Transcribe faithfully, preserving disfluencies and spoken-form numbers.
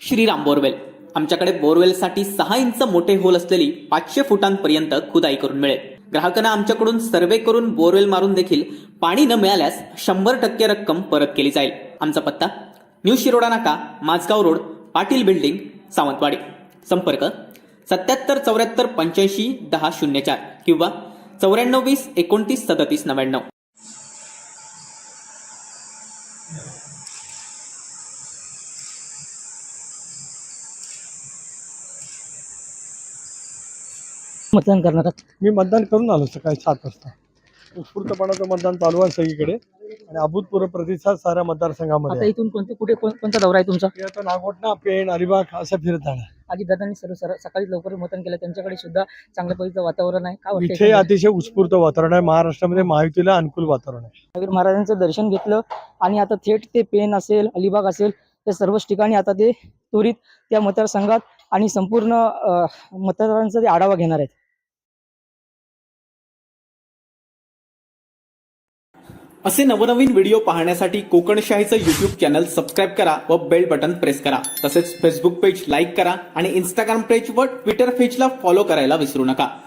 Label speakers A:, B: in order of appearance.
A: Shriram borewell. आमच्याकडे बोरवेलसाठी सहा inch मोठे होल असलेली पाचशे फुटांपर्यंत खुदाई करून मिळेल. ग्राहकांना आमच्याकडून सर्वे करून बोरवेल मारून देखील पाणी न मिळाल्यास शंभर टक्के रक्कम परत केली जाईल. आमचा पत्ता न्यू शिरोडा नाका, माझगाव रोड, पाटील बिल्डिंग, सावंतवाडी. संपर्क सत्याहत्तर चौऱ्याहत्तर पंच्याऐंशी दहा शून्य चार किंवा चौऱ्याण्णव वीस एकोणतीस सदतीस नव्याण्णव.
B: मतदान करणार आहात?
C: मी मतदान करून आलो सकाळी सात वाजता. उत्स्फूर्तपणाचं मतदान चालू आहे सगळीकडे आणि अभूतपूर्व प्रतिसाद साऱ्या मतदारसंघामध्ये
B: आता
C: आहे.
B: इथून कोणते कुठे कोण- कोणता दौरा आहे तुमचा?
C: मी आता नागोठणा, पेण, अलिबाग असं फिरत जाणार.
B: अजितदादांनी सर्व सर- सकाळी लवकर मतदान केलं, त्यांच्याकडे सुद्धा चांगल्या पद्धतीचं वातावरण आहे. काय वाटतं
C: इथे
B: एकंदरीत?
C: अतिशय उत्स्फूर्त वातावरण आहे. महाराष्ट्रामध्ये महायुतीला अनुकूल वातावरण आहे.
B: महावीर महाराजांचं दर्शन घेतलं आणि आता थेट ते पेन असेल, अलिबाग असेल, त्या सर्वच ठिकाणी आता ते त्वरित त्या मतदारसंघात आणि संपूर्ण अं, मतदारांचा ते आढावा घेणार आहेत.
A: असे नवनवीन व्हिडिओ पाहण्यासाठी कोकणशाहीचं यूट्यूब चॅनल सबस्क्राईब करा व बेल बटन प्रेस करा. तसेच फेसबुक पेज लाईक करा आणि इंस्टाग्राम पेज व ट्विटर पेजला फॉलो करायला विसरू नका.